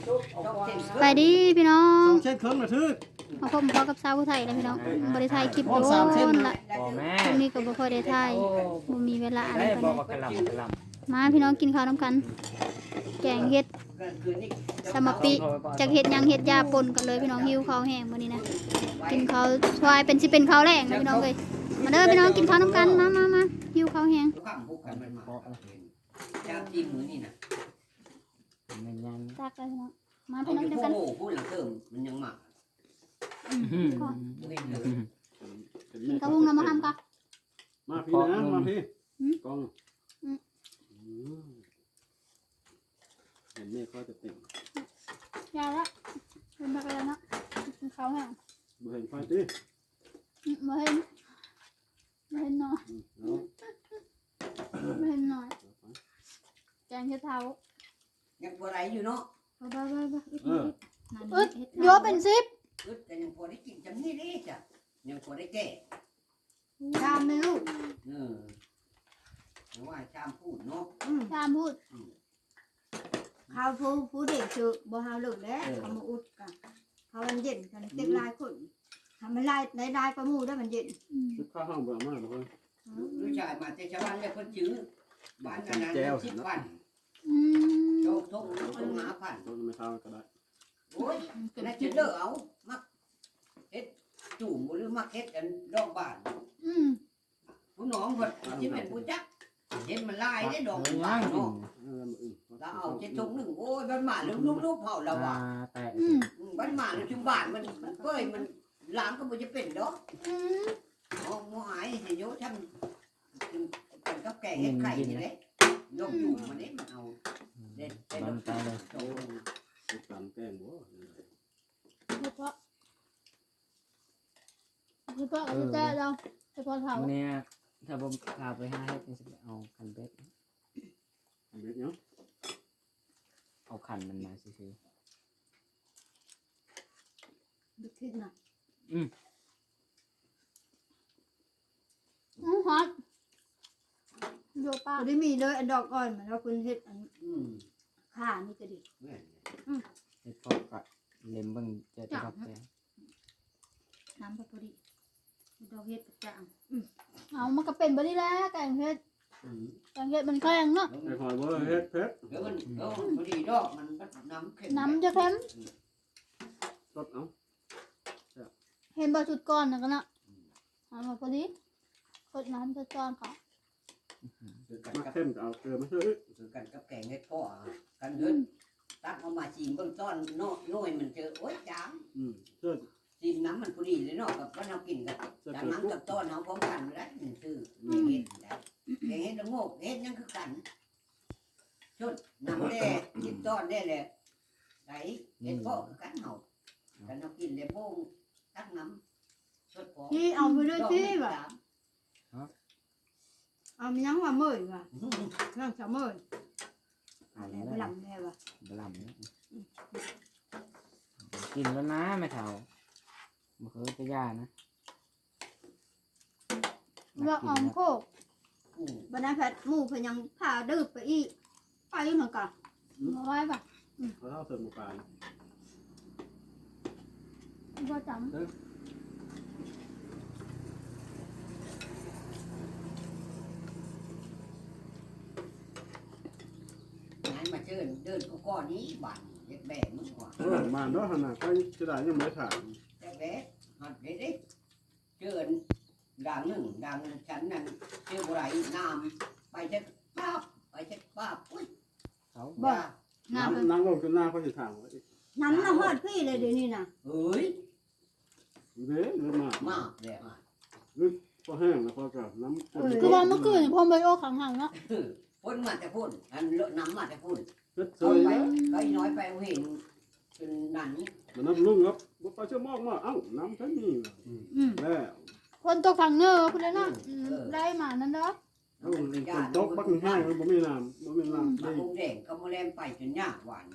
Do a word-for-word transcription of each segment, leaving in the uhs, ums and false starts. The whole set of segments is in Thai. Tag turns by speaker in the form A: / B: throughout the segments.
A: ไปดิพี่น้อ
B: ส
A: ง
B: องเส้นเครื่องระทึก
A: มาพบพอกับสาวผู้ไทยนะพี่น้องบริไทยคลิปโดนละ
C: บ่แม่
A: ช่วงนี้ก็บ่ค่อยได้ถ่ายบ่มีเวลาอะไร
C: ได้
A: ปาน
C: บ่
A: ใด
C: ว่ากะหล่ำกะหล่ำ
A: มาพี่น้องกินข้าวน้ำกัน แกงเห็ดสมปิจากเห็ดหยังเห็ดยาปนกันเลยพี่น้องหิวข้าวแห้งมื้อนี้นะกินข้าวชวายเป็นสิเป็นข้าวแรงนะพี่น้องเอ้ยมาเด้อพี่น้องกินข้าวน้ำกันมามามาหิวข้าวแห้ง
D: ข้ามพวกกันมันมาจากที่มือนี่นะ
C: แม่นยัง
A: ตักเลยพี่น้องมา
D: เอา
A: พี่น้อง
D: อยู่
A: เดียว
D: พว
A: กั
D: ก
A: น
D: โง่พูดหลังเติมมันยังหมัก
C: อืม
D: เว้นเลย
A: กินข้าวหุงน้ำมาทำกัน
B: มาพี่นะมาพี่กองเห็นเมฆก็จะติ่ง
A: ยาละเป็นมากันแล้วเนาะกินข้าวแห้ง
B: มาเห็นไฟตี
A: มาเห็นมาเห็นหน่อย
B: เอา
A: มาเห็นหน่อยแกงเห็ดเท้า
D: ยังพอไรอยู่เนาะ
A: ไปไปไปไป
B: เออ
A: อึดโยเป็นซิป
D: อึดแต่ยังพอได้กินจำนี่เลยจ้ะยังพอได้แก่
E: ชามไม่ลูก
D: เออแต่ว่าชามพูดเนาะ
A: ชามพูด
E: ข้าวผู้ผู้เด็กชื่อบ่ฮาวเลิกแล้วเขามาอุดกันเขามันเย็นกันเต็มลายคนทำมันลายได้ลายประมูได้มันเย็น
B: ชุดข้าวห้องแบบมากเลย
D: ลูกชายมาแต่ชาวบ้านเลยคนจื้อบ้านนั้นนั้นสิบพัน
A: อืม
D: โชคทงต้องหาพัน
B: ต้องไม่เท่าก็ได้
D: โอ้ยน่าจะเลิกเอามักเฮ็ดจุ่มหรือมักเฮ็ดกันดอกบาน
A: อืม
D: ผู้น้องคนที่เป็นผู้จักเห็นมันลายได้ดอก
C: ยั
D: บาน
C: ง
D: เนาะ
B: เออมาอื่น
D: เราเอาเจ็ดทงหนึ่งโอ้ยบ้านหมาลูกลูกลูกเผาเราว่ะ
C: แตะ
A: อืม
D: บ้านหมาลูกชุมบ้านมันมันเป้ยมันล้างก็บ่จะเป็นดอก
A: อืม
D: มองมองหายสิโยทำเป็นกับแก่เฮ็ดไข่นี่แหละยกอยู่มันนี่มันเอาเด็ดเด็ด
C: มันตายเลย
D: โต
B: ติดตามแกงบ่
A: เฉพาะเฉพาะกับแจ๊เราเฉพาะเท้า
C: มื้อนี้ถ้าผมพาไปหาเฮ็ดนี่สิไปเอาคันเบ็ด
B: อันนี้เนาะ
C: เอาคันมันมาซื่อ
E: ดึกขึ้นน่ะ
A: อืมฮอตโยป้า
E: บ่ได้มีเลยอันดอกอ่อนมันแล้วคุณเฮ็ดอัน
D: อืม
E: ข้านี่ก็ดี
D: แม่น
C: ๆเฮ็ดพอก็เล็มเบิ่งจะจะรับแก
E: น้ำพอดีดอกเฮ็ดกระจ่าง
A: เอามันก็เป็นบริแล้วแกงเห็ด
D: อืม
A: แกงเห็ดมันแข็งเนาะ
B: ไอ้หอยบ่เฮ็ดเพชร
D: เดี๋ยวมันเดี๋ยวพอดีดอกมันน้ำเค็ม
A: น้ำจะเค็ม
B: รสเอา
A: เห็นบะจุดก้อนนะกันเนาะเอามาพอดีกดน้ำจะก้อนเขา
D: คือกัน
B: มา
D: กับ
B: เข้มเอาเกลือมาช่วย
D: คือกันกับแกงเฮ็ดพ่อกันเดินตักเอามาจีนเบื้องต้นน้อยน้อยมันเจอโอ๊ยจาง
B: อืมเชื่อ
D: จีนน้ำมันพอดีเลยเนาะกับว่าเรากินกัน
B: เชื่อ
D: จาก
B: เกลือ
D: นั้น
B: ปุ๊บ
D: กับต้นเอาพร้อมกันแล้วนี่คือเฮ็ดได้แกงเฮ็ดละโงกเฮ็ดยังคือกันชุดน้ำแด่กินต้อนได้เลยไหนเฮ็ดพ่อคือกันเฮากันเรากินเลยโป้งตักน้ำชุดพอ
E: ที่เอาไปด้วยที่ว่ะเอามียังว่าเมื่อยว่ะนั่งจะเมื่อย
C: เอา
E: แล้
C: แล้ว ว
E: ไปหลังแม่ว่ะ
C: บลำเนี่ยกินแล้วนะแม่เฒ่าบ่เคยจะย่านะ
A: เราออมโคก
D: อืม
E: บรรดาแพทย์หมู่เพิ่นยังพาดื้อไปอีกไปเหมือนกัน
A: มาไว้ปะ
B: เขาเท่าเติมหมูปลา
A: ก็จ
D: งั้นมาเชิญเดินก็ก้อนนี้บ้านเด็กแบกมึงกว่า
B: เออมาเนาะขนาดก็จะได้ยังไม่ถาม
D: เด็กแบกหัดเด็กเด็กเชิญด่างหนึ่งด่างฉันนั่นเชื่อบุไรน้ำไปเช็ดป้าบไปเช็ดป้าบอุ้ย
C: เขา
D: บ้า
A: ำน้ำ
B: น้ำน้ำลงจนหน้าเขาจะถามว่า
E: น้ำน่ะฮอดพี่เลยเดี๋ยวนี้น่ะ
D: เฮ้ย
B: เด้หรือมาม
D: ากเลยอ่ะ
B: พอแห้งแล้วพอกับน้ำ
A: คือว่าเมื่อคืนพ่อไปโอ้ขังหังเนาะ
D: พ่นมาแต่พ่นอันเลอะน้ำมาแต่พ่น
B: เพชรเซ
D: เอา
B: ย
D: ไป
B: แล้ว
D: ก็น้อยไปเห็นจนนั่น
B: มันน้ำลุ่งครับบ่ปลาเชื่อมอกมาเอ้าน้ำท่านนี่
E: อืม
B: แล้ว
A: คนตกขังเนอคุณเลยเนาะได้มานั่นเนาะ
B: เอาคนตกบักแห้งมันบ่มีน้ำบ่มีน้ำ
D: มา
B: ได้
D: คงแดงก็มาแลมไปจนยากหวาน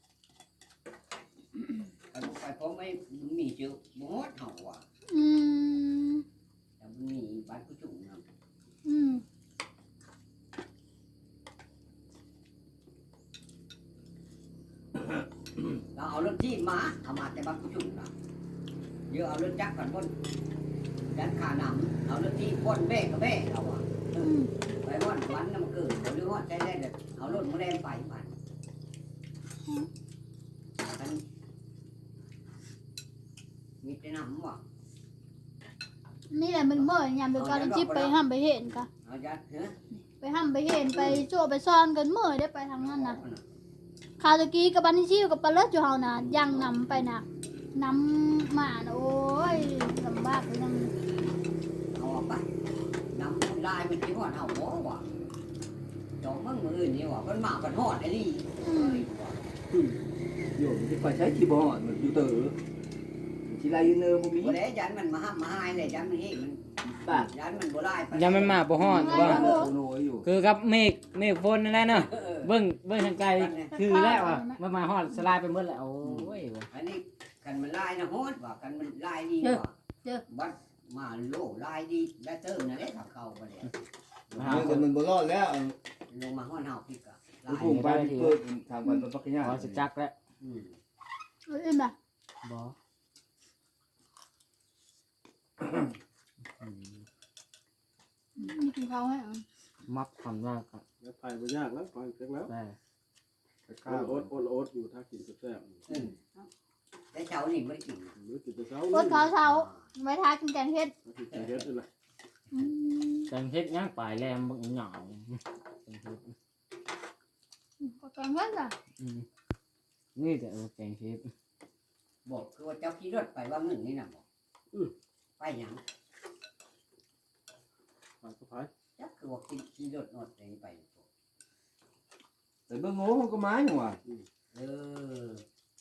D: ไปไปเพราะไม่มีเชื้อบ่ฮอดเห่าว่ะ
A: อืม
D: แต่มันมีบ้านผู้จุ่มนะ
A: อืม
B: เ
D: เราเอารถที่มาเอามาแต่บางจุดนะเยอะเอารถจักรก่อนบนยันขาหนำเอารถที่พ่นเบ้กับเบ้เราอะ
A: อืม
D: ไปวันวันน้ำเกิดหรือว่าใจได้เลยเอารถมาแรงไปมันมันมีแต่น้ำว่ะ
A: นี่แหละมันเมื่อยามเดียวกันจิบไปห้ามไปเห็นกะ
D: เอายัดเฮ้ย
A: ไปห้ามไปเห็นไปโจ้ไปซ่อนกันเมื่อยได้ไปทางนั้นนะคาวตะกี้กับบันนี่ชิวกับปลาเลิศอยู่เฮานะย่างนำไปนะนำมานะโอ้ยลำบากเลยนั่น
D: เอาออกไปน้ำลายมันที่หอดเอาหัวว่ะจองมึงมือนี่ว่ะมันมากันหอดไอ้นี่
A: อืม
F: อยู่ที่คอยใช้คีย์บอร์ดมันอยู่เต๋อทีไรยูเนอร์พวกนี้
D: วันนี้ยันมันมาห้ามมาให้เลยยันมันเฮ้มัน
F: ป่ะ
D: ยันมันบ่ได้ไป
C: ยังไม่มาบ่ฮอดว่า
F: โโนอยู่
C: คือกับเมฆเมฆฝนนั่นแหละเนาะ
D: เออ
C: เบิ่งเบิ่งทางไกลคือแล้วอ่ะมามาฮอดสลายไปหมดแล้วโอ้ย
D: อันนี้กันมันลายนะฮอดว่ะกันมันลายดีว่ะบัดมาโลลายดีได้เติมนะเด้ถ้าเข้าไปเลย
F: เมื่อคนมันบ่รอดแล้ว
D: ลงมาฮอดเฮาพี่กะลา
F: มัน
D: ย
F: พุ่งไปเปิดทางวันปักกิ่ง
C: ขอสิจักแล้ว
D: อืม
A: เอ้ยมา
C: บ่
A: มีกินข้าวให้อ่ะ
C: มักความยากอะ
B: แล้วไปบ่ยากแล้วฟังเสร็จแล้ว
C: แต่
B: ข้าวโอ๊ตโอ๊ตโอ๊ตอยู่ถ้ากินแซ่บ
D: อืมแต่เช้านี่บ่ได้กิน
B: ๆหรือกินแต่เช้า
A: โคตรข้าวเช้าไว้ทากินแกงเห็ด
B: กินแต่เฮ็ดนี่แหละ
A: อืม
C: แตงเฮ็ดย่างปลายแรมบักหน่อยแตงเฮ็ด
A: ก็แกงเห็ดอ่ะ
C: อืมนี่แต่เออแตงเฮ็ด
D: บอกคือว่าเจ้าขี่รถไปว่ามึงนี่น่ะบอกไปหยัง
B: ไปก็ไป
D: จักคือว่าขี่ขี่รถนอดไปไป
F: แต่เบิ่งโง่ก็ไม้หนูอ่ะ
D: เออ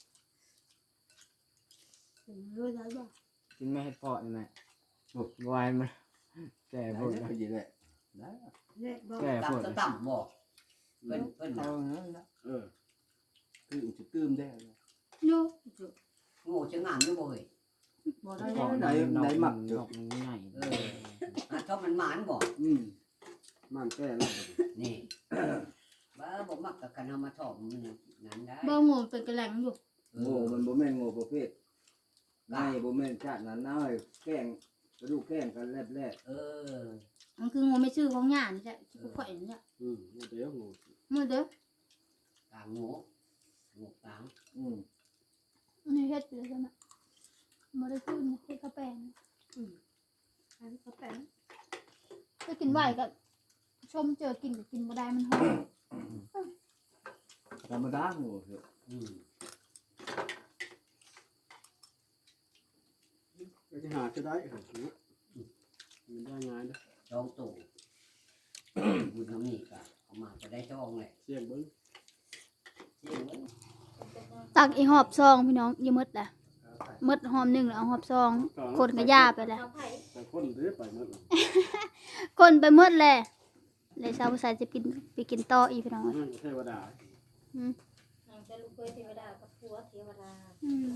A: เออได้บ่
C: กินไม่ให้พอนี่แหละโอ้ยวายมันแก่
F: ได้
C: พวก
F: แล้วก็ยินแหละได้
E: เล็กบ่
C: แก่พวก
D: ต่ำต่ำบอกเพิ่นเพิ่น
F: เอา
D: น่ะ
F: งั้นละ
B: เออ
F: คืออุจตื้มได้
A: โย
D: โง่จะงามอยู่บ่เฮ้ย
E: บ่ได้
C: พอ
E: แล้ว
C: ไหนไหนหมักดอกใหญ่
D: เอออ่ะถ้ามันหมานบอก
F: อืม
B: มันแก้แล้ว
D: นี่บ้าบ่มักกับกันเอามาถอมมันนั้นได้
A: บ่งูเป็นกระแหลงอยู่
F: โง่มันบ่แม่นโง่ประเภทนายบ่แม่นชาตินั้นน้อยแกล้งกระดูกแกล้งกันแลบ
D: เออ
E: มันคืองูไม่ชื่อของหญ้านี่แหละที่กูข่อยนี่แหละ
B: อืมเดี๋ยวงู
E: มื้อเด้อก
D: ลางโง่โง่กลาง
F: ๆอืม
A: นี่เฮ็ดไปเลยใช่ไหมบ่ได้ขึ้นเฮ็ดกระแปง
E: อันก็แป้ง
A: ถ้ากินไหวก็ชมเจอกินก็กินบ่ได้มันหอม
F: ธรรมดาโง่เถอะ
D: อืม
B: ก็จะหาจะได้เหรอเนี่ยมันได้ง่ายนะ
D: จองตู่บุญน้ำนี่ก็เอามาจะได้จองแหละ
B: เสี่ยงเบิ้ง
D: เสี่ยงเว้ย
A: ตักอีหอบซองพี่น้องอย่าหมดล่ะหมดหอมหนึงแล้วเอาหอบซองคนก็ย่าไปแล้ว
E: เอาไผ่
B: แต่คนเด้อไปหมดแล้ว
A: คนไปหมดแหละเลยชาวภาษาจะกินไปกินต่ออีกพี่น้อง
B: นั่นเทวดา
E: นางจะลูกเคยเทวดากับผัวเทวดา
A: อืม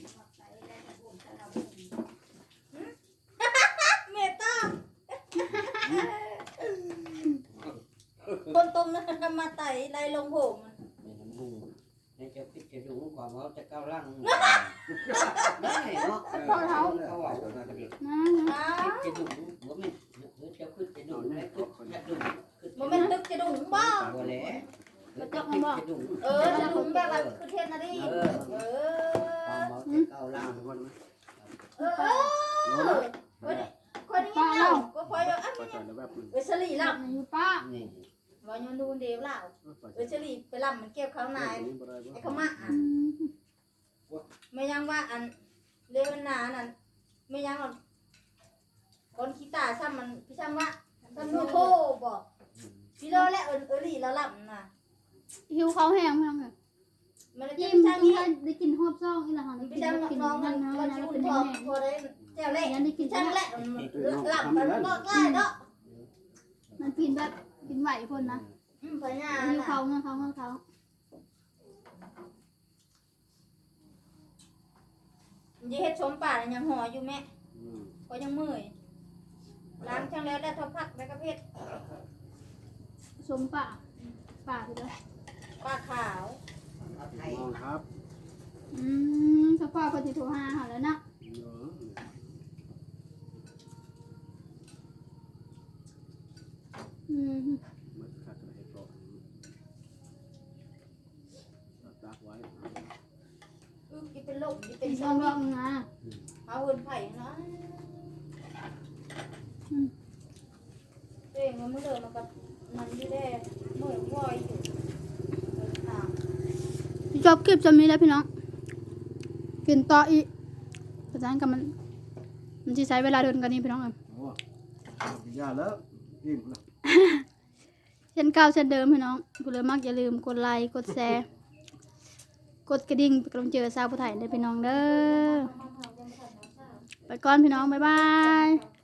E: เมตตาคนต้มนั้นมาไต่ไล่ลงโหม
D: ในน้ำมูกในเจ้าพิจารณาความว่าจะก้าวล่างได้เนาะ
A: พ่อเขา
D: เขาว่าจะดุ
A: นะนะ
D: จะดุบ่แม่นเจ้าขึ้นจะดุได้ขึ้นจะดุขึ้น
E: บ่แม่นตึกจะดุงบ่
D: บ่แหละจะดุ
E: เออจะดุงแบบว่าคือเทศนาดีเออ
D: ความว่าจะก้าวล่าง
B: คนนะ
E: เออเออคนนี้เล่าก็คอยว่าอัน
B: ไปใส่แล้วแบบนึง
E: เออฉลีล่ะ
A: อยู่ป้า
D: นี่
E: บ่ยอนดูเดียวเล่า
B: ไป
E: เออฉลีไปล่ำมันเก็บข้างใน
B: นี้บ่ได้บ่
E: ไอ้ขมะอ่ะ
A: อืม
E: ไม่ยังว่าอันเลวันนานั่นไม่ยังหรอกคนขี้ตาซ้ำมันพี่ช่างว่าซ้ำโนโทบอกพี่โลและเอิญเอรี่แล้วล่ำน่ะ
A: หิวเขาแห้งมั้งเลย
E: มันจะ
A: ยิ้
E: พี่
A: ม
E: ช่าง
A: กิน
E: นี้
A: ได้กินหอบซองอีหล่ะค่ะได้
E: พี่
A: กิน
E: ช่าง
A: ได้กิน
E: น้องมั
A: นั่
E: น
A: นนะ
E: มัน
A: นะ
E: ชิว
A: เป็น
E: ท
A: แห้
E: อง
A: ง
E: พอได้แจ้วเล่
A: ยันได้กิน
E: ช่าง
A: แล้
E: เล่หลับมันก็ใกล้เนาะ
A: มันกินแบบกินไหวคนนะ
E: อืมพญา
A: หิวเขาเงินเขาเงินเขา
E: ยี่เฮ็ดชมป่ายังห่ออยู่แม่
B: อืม
E: ก็ยังมื่อยล้างช่างแล้วแล้วทอพักแล้วก็เพชร
A: ชมป่าป่าคืออะไร
E: ป้าขาว
D: เอาไทย
B: มองครับ
E: ป
A: อืมสปอร์ตปฏิโทรหาเขาแล้วเนาะ
B: เออ
A: อืม
B: มันขาดกระเฮ็ดก่อนตักไว้
E: อึกอีเป็นโรคอีเป็
A: เป็น น
E: ซ
A: ช่
E: อ
A: อง
E: ม
A: ร่องนะ
E: เอาเงินไผ่เนาะเองมันไม่เดินมากับมันที่แรกเหมือนวอยอยู่ต่าง
A: จบคลิปจะมีแล้วพี่น้องกินต่ออีกเพราะฉะนั้นก็มันมันจะใช้เวลาเดินกันนี่พี่น้องเอ้ย
B: โอ้ยาแล้วอิ่มแล้ว
A: เช่นเก่าเช่นเดิมพี่น้องกูเลยมักอย่าลืมกดไลค์กดแชร์กดกระดิ่งเป็นกำลังใจให้สาวผู้ไทยได้พี่น้องเด้อไปก่อนพี่น้องบ๊ายบาย